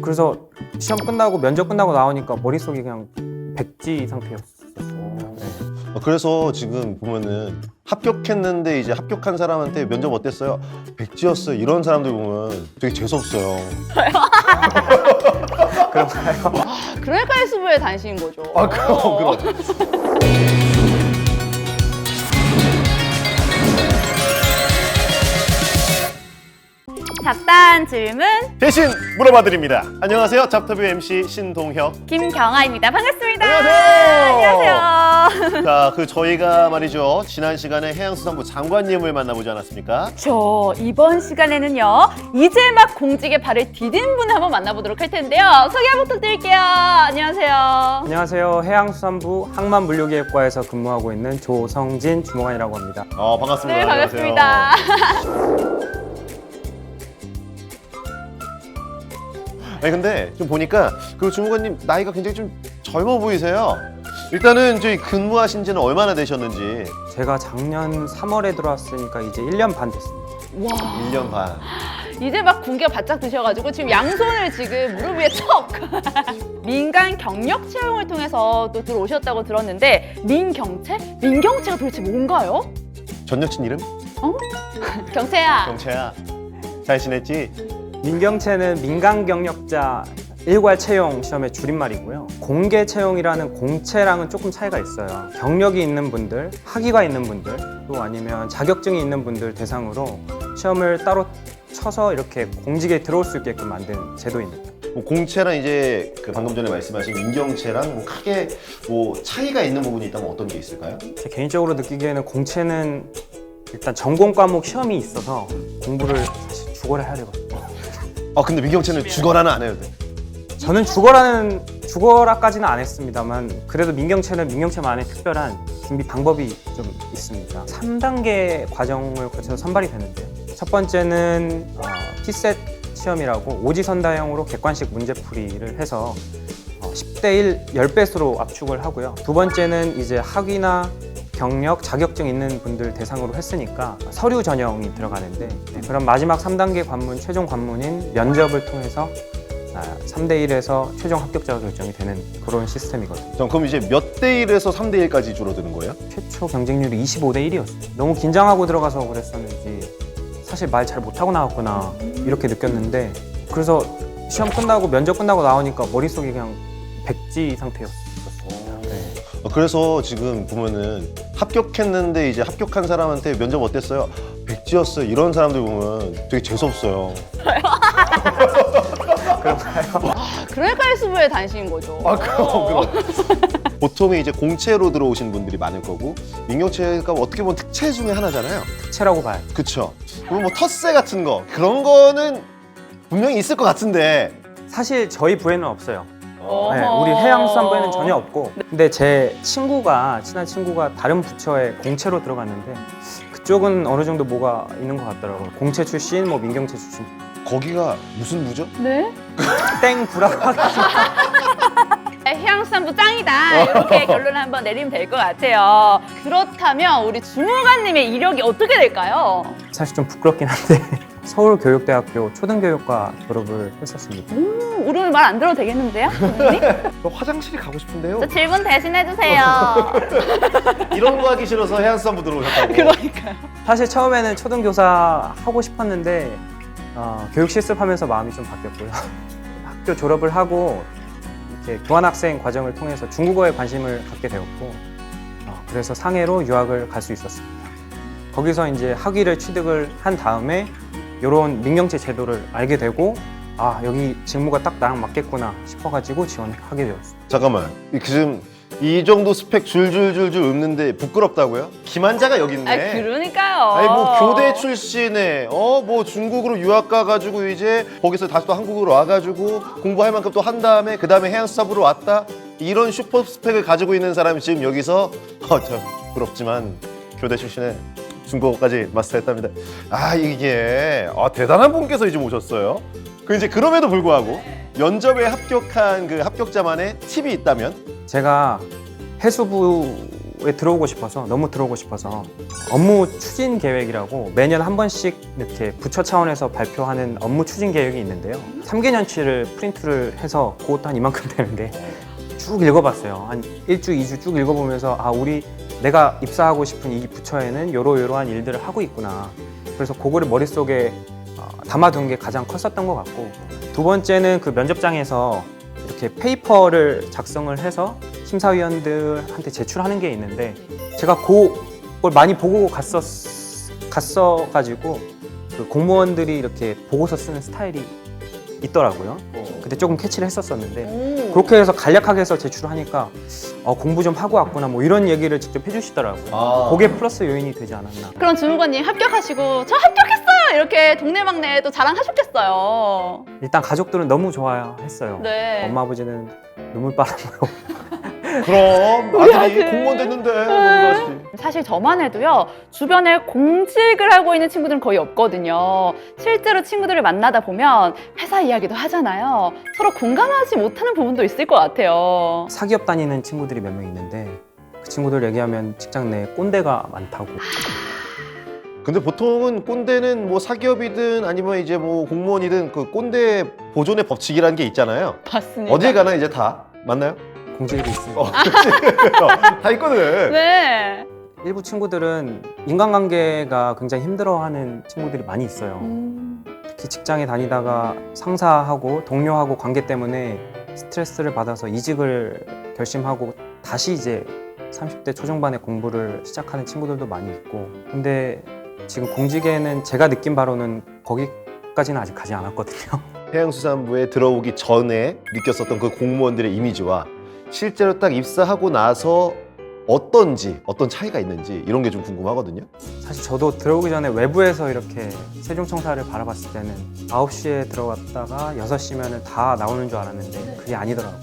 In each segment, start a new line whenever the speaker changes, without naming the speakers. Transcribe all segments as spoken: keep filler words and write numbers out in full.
그래서 시험 끝나고 면접 끝나고 나오니까 머릿속이 그냥 백지 상태였었어요. 네.
어, 그래서 지금 보면은 합격했는데 이제 합격한 사람한테 면접 어땠어요? 백지였어요. 이런 사람들 보면 되게 재수없어요.
그런가요?
그러니까 헬스부에 다니시는 거죠.
아 그럼 그럼.
잡다한 질문
대신 물어봐드립니다. 안녕하세요. 잡터뷰 엠씨 신동혁.
김경아입니다. 반갑습니다.
안녕하세요.
안녕하세요.
자, 그 저희가 말이죠. 지난 시간에 해양수산부 장관님을 만나보지 않았습니까?
저 이번 시간에는요. 이제 막 공직에 발을 디딘 분을 한번 만나보도록 할 텐데요. 소개 한번 부탁드릴게요. 안녕하세요.
안녕하세요. 해양수산부 항만물류기획과에서 근무하고 있는 조성진 주무관이라고 합니다.
어, 반갑습니다.
네,
안녕하세요.
반갑습니다.
아니 근데 좀 보니까 그 주무관님 나이가 굉장히 좀 젊어 보이세요. 일단은 저희 근무하신 지는 얼마나 되셨는지.
제가 작년 삼월에 들어왔으니까 이제 일 년 반 됐습니다.
와,
일 년 반.
이제 막 공기가 바짝 드셔가지고 지금 양손을 지금 무릎 위에 척! 민간 경력 채용을 통해서 또 들어오셨다고 들었는데 민경채? 민경채가 도대체 뭔가요?
전 여친 이름?
경채야.
경채야. 잘 지냈지?
민경채는 민간 경력자 일괄 채용 시험의 줄임말이고요. 공개 채용이라는 공채랑은 조금 차이가 있어요. 경력이 있는 분들, 학위가 있는 분들, 또 아니면 자격증이 있는 분들 대상으로 시험을 따로 쳐서 이렇게 공직에 들어올 수 있게끔 만든 제도입니다.
뭐 공채랑 이제 그 방금 전에 말씀하신 민경채랑 뭐 크게 뭐 차이가 있는 부분이 있다면 어떤 게 있을까요?
제 개인적으로 느끼기에는 공채는 일단 전공 과목 시험이 있어서 공부를 사실 죽어라 해야 되거든요.
아 근데 민경채는 죽어라는 안 해도 돼.
저는 죽어라는 죽어라까지는 안 했습니다만 그래도 민경채는 민경채만의 특별한 준비 방법이 좀 있습니다. 삼 단계 과정을 거쳐서 선발이 되는데요. 첫 번째는 어, 피셋 시험이라고 오지선다형으로 객관식 문제풀이를 해서 어, 십 대 일, 십 배수로 압축을 하고요. 두 번째는 이제 학위나 경력, 자격증 있는 분들 대상으로 했으니까 서류 전형이 들어가는데 네, 그럼 마지막 삼 단계 관문, 최종 관문인 면접을 통해서 아, 삼 대 일에서 최종 합격자가 결정이 되는 그런 시스템이거든요.
자, 그럼 이제 몇 대 일에서 삼 대 일까지 줄어드는 거예요?
최초 경쟁률이 이십오 대 일이었어요. 너무 긴장하고 들어가서 그랬었는지 사실 말 잘 못하고 나왔구나 이렇게 느꼈는데 그래서 시험 끝나고 면접 끝나고 나오니까 머릿속이 그냥 백지 상태였어요. 네.
어, 그래서 지금 보면은 합격했는데 이제 합격한 사람한테 면접 어땠어요? 백지였어요. 이런 사람들 보면 되게 재수없어요.
그러니까 헬스부에 다니시는 거죠.
아 그럼 그럼. 보통 이제 공채로 들어오신 분들이 많을 거고 민경채가 어떻게 보면 특채 중에 하나잖아요.
특채라고 봐요.
그쵸? 그럼 뭐 텃세 같은 거 그런 거는 분명히 있을 것 같은데.
사실 저희 부에는 없어요.
어허.
네, 우리 해양수산부에는 전혀 없고 근데 제 친구가 친한 친구가 다른 부처에 공채로 들어갔는데 그쪽은 어느 정도 뭐가 있는 것 같더라고요. 공채 출신, 뭐 민경채 출신
거기가 무슨 부죠?
네?
땡 부라고 하겠습니다.
해양수산부 짱이다 이렇게 결론을 한번 내리면 될 것 같아요. 그렇다면 우리 주무관님의 이력이 어떻게 될까요?
사실 좀 부끄럽긴 한데 서울교육대학교 초등교육과 졸업을 했었습니다.
음, 오늘 말 안 들어도 되겠는데요? 주무관님?
저 화장실이 가고 싶은데요.
저 질문 대신해주세요.
이런 거 하기 싫어서 해양수산부 들어오셨다고.
그러니까요.
사실 처음에는 초등교사 하고 싶었는데 어, 교육 실습하면서 마음이 좀 바뀌었고요. 학교 졸업을 하고 이렇게 교환학생 과정을 통해서 중국어에 관심을 갖게 되었고 어, 그래서 상해로 유학을 갈 수 있었습니다. 거기서 이제 학위를 취득을 한 다음에 이런 민경채 제도를 알게 되고 아 여기 직무가 딱 나랑 맞겠구나 싶어가지고 지원하게 되었어요.
잠깐만. 이 지금 이 정도 스펙 줄줄줄줄 읊는데 부끄럽다고요? 김한자가 여기 있네.
아 그러니까요.
아니 뭐 교대 출신에 어 뭐 중국으로 유학 가가지고 이제 거기서 다시 또 한국으로 와가지고 공부할 만큼 또 한 다음에 그 다음에 해양수산부로 왔다 이런 슈퍼 스펙을 가지고 있는 사람이 지금 여기서 어저 부럽지만 교대 출신에 중국어까지 마스터했답니다. 아 이게 아, 대단한 분께서 이제 오셨어요. 그 이제 그럼에도 불구하고 면접에 합격한 그 합격자만의 팁이 있다면
제가 해수부 공무에 들어오고 싶어서 너무 들어오고 싶어서 업무 추진 계획이라고 매년 한 번씩 이렇게 부처 차원에서 발표하는 업무 추진 계획이 있는데요. 삼 개년치를 프린트를 해서 그것도 한 이만큼 되는데 쭉 읽어봤어요. 한 일 주, 이 주 쭉 읽어보면서 아 우리 내가 입사하고 싶은 이 부처에는 요러요러한 일들을 하고 있구나. 그래서 그거를 머릿속에 어, 담아둔 게 가장 컸었던 것 같고, 두 번째는 그 면접장에서 이렇게 페이퍼를 작성을 해서 심사위원들한테 제출하는 게 있는데 제가 그걸 많이 보고 갔었, 갔어가지고 그 공무원들이 이렇게 보고서 쓰는 스타일이 있더라고요. 그때 조금 캐치를 했었었는데
오.
그렇게 해서 간략하게 해서 제출하니까 어, 공부 좀 하고 왔구나 뭐 이런 얘기를 직접 해주시더라고요.
아.
그게 플러스 요인이 되지 않았나.
그럼 주무관님 합격하시고 저 합격했어요! 이렇게 동네방네 또 자랑하셨겠어요.
일단 가족들은 너무 좋아했어요.
네.
엄마 아버지는 눈물바람으로
그럼
우리
아들이
아들.
공무원 됐는데 너무 좋았지.
사실 저만 해도요, 주변에 공직을 하고 있는 친구들은 거의 없거든요. 실제로 친구들을 만나다 보면 회사 이야기도 하잖아요. 서로 공감하지 못하는 부분도 있을 것 같아요.
사기업 다니는 친구들이 몇 명 있는데 그 친구들 얘기하면 직장 내에 꼰대가 많다고.
근데 보통은 꼰대는 뭐 사기업이든 아니면 이제 뭐 공무원이든 그 꼰대 보존의 법칙이라는 게 있잖아요.
맞습니다.
어딜 가나 이제 다 맞나요?
공직이 있습니다.
어, 그치? 다 있거든.
네.
일부 친구들은 인간관계가 굉장히 힘들어하는 친구들이 많이 있어요.
음.
특히 직장에 다니다가 상사하고 동료하고 관계 때문에 스트레스를 받아서 이직을 결심하고 다시 이제 삼십 대 초중반에 공부를 시작하는 친구들도 많이 있고, 근데 지금 공직에는 제가 느낀 바로는 거기까지는 아직 가지 않았거든요.
해양수산부에 들어오기 전에 느꼈었던 그 공무원들의 이미지와 실제로 딱 입사하고 나서 어떤지, 어떤 차이가 있는지 이런 게 좀 궁금하거든요.
사실 저도 들어오기 전에 외부에서 이렇게 세종청사를 바라봤을 때는 아홉 시에 들어갔다가 여섯 시면 다 나오는 줄 알았는데 그게 아니더라고요.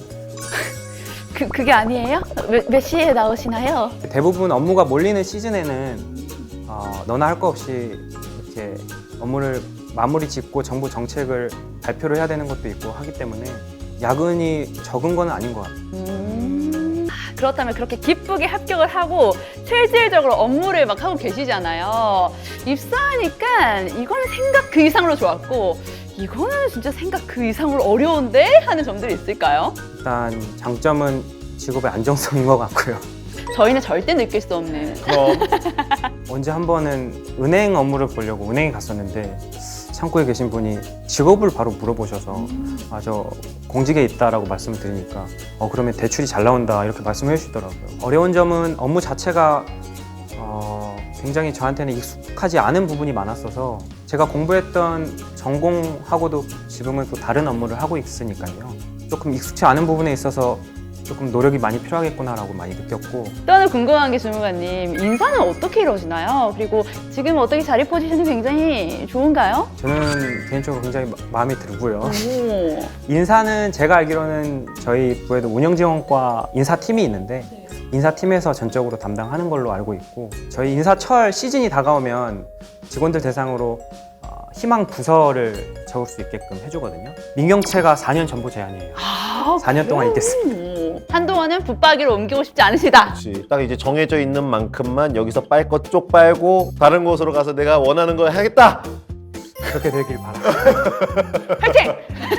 그, 그게 아니에요? 몇, 몇 시에 나오시나요?
대부분 업무가 몰리는 시즌에는 어, 너나 할 거 없이 이렇게 업무를 마무리 짓고 정부 정책을 발표를 해야 되는 것도 있고 하기 때문에 야근이 적은 건 아닌 것 같아요.
음. 아, 그렇다면 그렇게 기쁘게 합격을 하고 실질적으로 업무를 막 하고 계시잖아요. 입사하니까 이거는 생각 그 이상으로 좋았고 이거는 진짜 생각 그 이상으로 어려운데? 하는 점들이 있을까요?
일단 장점은 직업의 안정성인 것 같고요.
저희는 절대 느낄 수 없는.
그럼
언제 한 번은 은행 업무를 보려고 은행에 갔었는데 창구에 계신 분이 직업을 바로 물어보셔서 아, 저 공직에 있다라고 말씀을 드리니까 어, 그러면 대출이 잘 나온다 이렇게 말씀해 주시더라고요. 어려운 점은 업무 자체가 어, 굉장히 저한테는 익숙하지 않은 부분이 많았어서 제가 공부했던 전공하고도 지금은 또 다른 업무를 하고 있으니까요. 조금 익숙치 않은 부분에 있어서 조금 노력이 많이 필요하겠구나라고 많이 느꼈고,
또 하나 궁금한 게 주무관님, 인사는 어떻게 이루어지나요? 그리고 지금 어떻게 자리 포지션이 굉장히 좋은가요?
저는 개인적으로 굉장히 마- 마음에 들고요.
오.
인사는 제가 알기로는 저희 부에도 운영지원과 인사팀이 있는데 인사팀에서 전적으로 담당하는 걸로 알고 있고, 저희 인사철 시즌이 다가오면 직원들 대상으로 어, 희망 부서를 적을 수 있게끔 해주거든요. 민경채가 사 년 전부 제한이에요.
아,
사 년 동안
그래요?
있겠습니다.
한동안은 붙박이로 옮기고 싶지 않으시다.
그렇지. 딱 이제 정해져 있는 만큼만 여기서 빨 것 쪽 빨고 다른 곳으로 가서 내가 원하는 걸 하겠다.
그렇게 되길 바랍니다.
파이팅!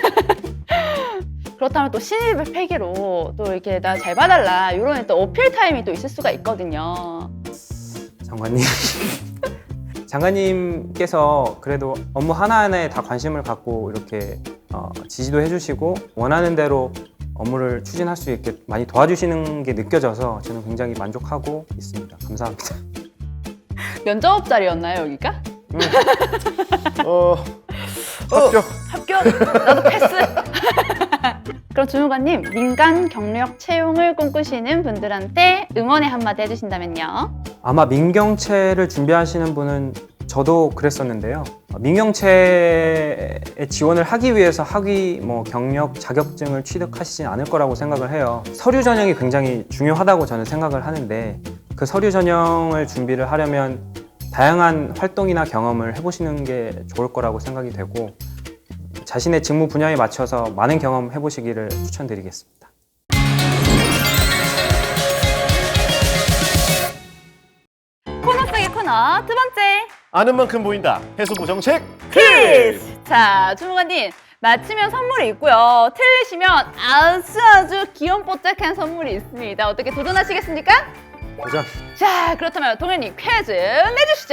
그렇다면 또 신입을 패기로 또 이렇게 나 잘 봐달라 이런 또 어필 타임이 또 있을 수가 있거든요.
장관님. 장관님께서 그래도 업무 하나하나에 다 관심을 갖고 이렇게 어, 지지도 해주시고 원하는 대로 업무를 추진할 수 있게 많이 도와주시는 게 느껴져서 저는 굉장히 만족하고 있습니다. 감사합니다.
면접 자리였나요 여기가?
어, 합격.
합격! 나도 패스! 그럼 주무관님, 민간 경력 채용을 꿈꾸시는 분들한테 응원의 한마디 해주신다면요?
아마 민경채를 준비하시는 분은 저도 그랬었는데요. 민경채에 지원을 하기 위해서 학위, 뭐 경력, 자격증을 취득하시진 않을 거라고 생각을 해요. 서류 전형이 굉장히 중요하다고 저는 생각을 하는데 그 서류 전형을 준비를 하려면 다양한 활동이나 경험을 해보시는 게 좋을 거라고 생각이 되고 자신의 직무 분야에 맞춰서 많은 경험 해보시기를 추천드리겠습니다.
코너 두 번째
아는 만큼 보인다. 해수부 정책
퀴즈. 자, 주무관님 맞히면 선물이 있고요. 틀리시면 아주 아주 귀염뽀짝한 선물이 있습니다. 어떻게 도전하시겠습니까?
도전.
자, 그렇다면 동현님 퀴즈 내주시죠.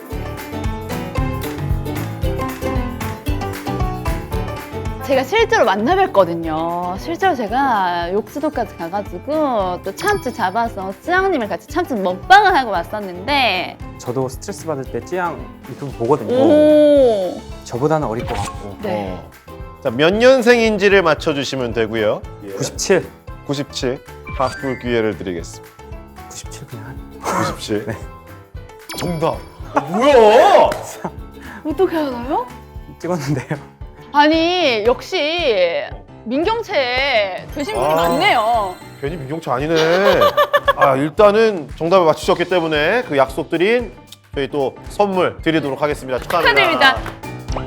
제가 실제로 만나뵀거든요. 실제로 제가 욕수도까지 가가지고 또 참치 잡아서 쯔양님을 같이 참치 먹방을 하고 왔었는데
저도 스트레스 받을 때 찌양 유튜브 보거든요.
오,
저보다는 어릴 것 같고.
네.
어. 자, 몇 년생인지를 맞춰주시면 되고요.
구십칠.
구십칠. 바꿀 기회를 드리겠습니다.
구십칠 그냥.
구십칠. 네. 정답. 어, 뭐야?
어떻게 알아요?
찍었는데요.
아니 역시 민경채 되신 분이
아.
많네요.
괜히 민경채 아니네. 아, 일단은 정답을 맞추셨기 때문에 그 약속드린 저희 또 선물 드리도록 하겠습니다. 축하합니다.
축하드립니다.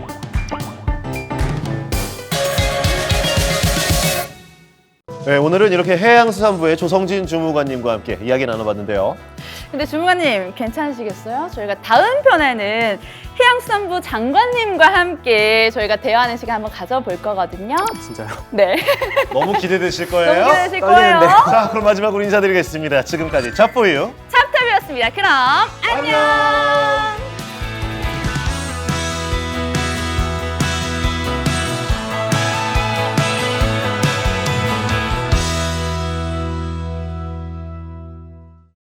네, 오늘은 이렇게 해양수산부의 조성진 주무관님과 함께 이야기 나눠봤는데요.
근데 주무관님 괜찮으시겠어요? 저희가 다음 편에는 해양수산부 장관님과 함께 저희가 대화하는 시간 한번 가져볼 거거든요.
진짜요.
네.
너무 기대되실 거예요.
너무 기대되실
떨리는데요.
거예요.
자, 그럼 마지막으로 인사드리겠습니다. 지금까지 차포유
찹탑이었습니다. 그럼 안녕.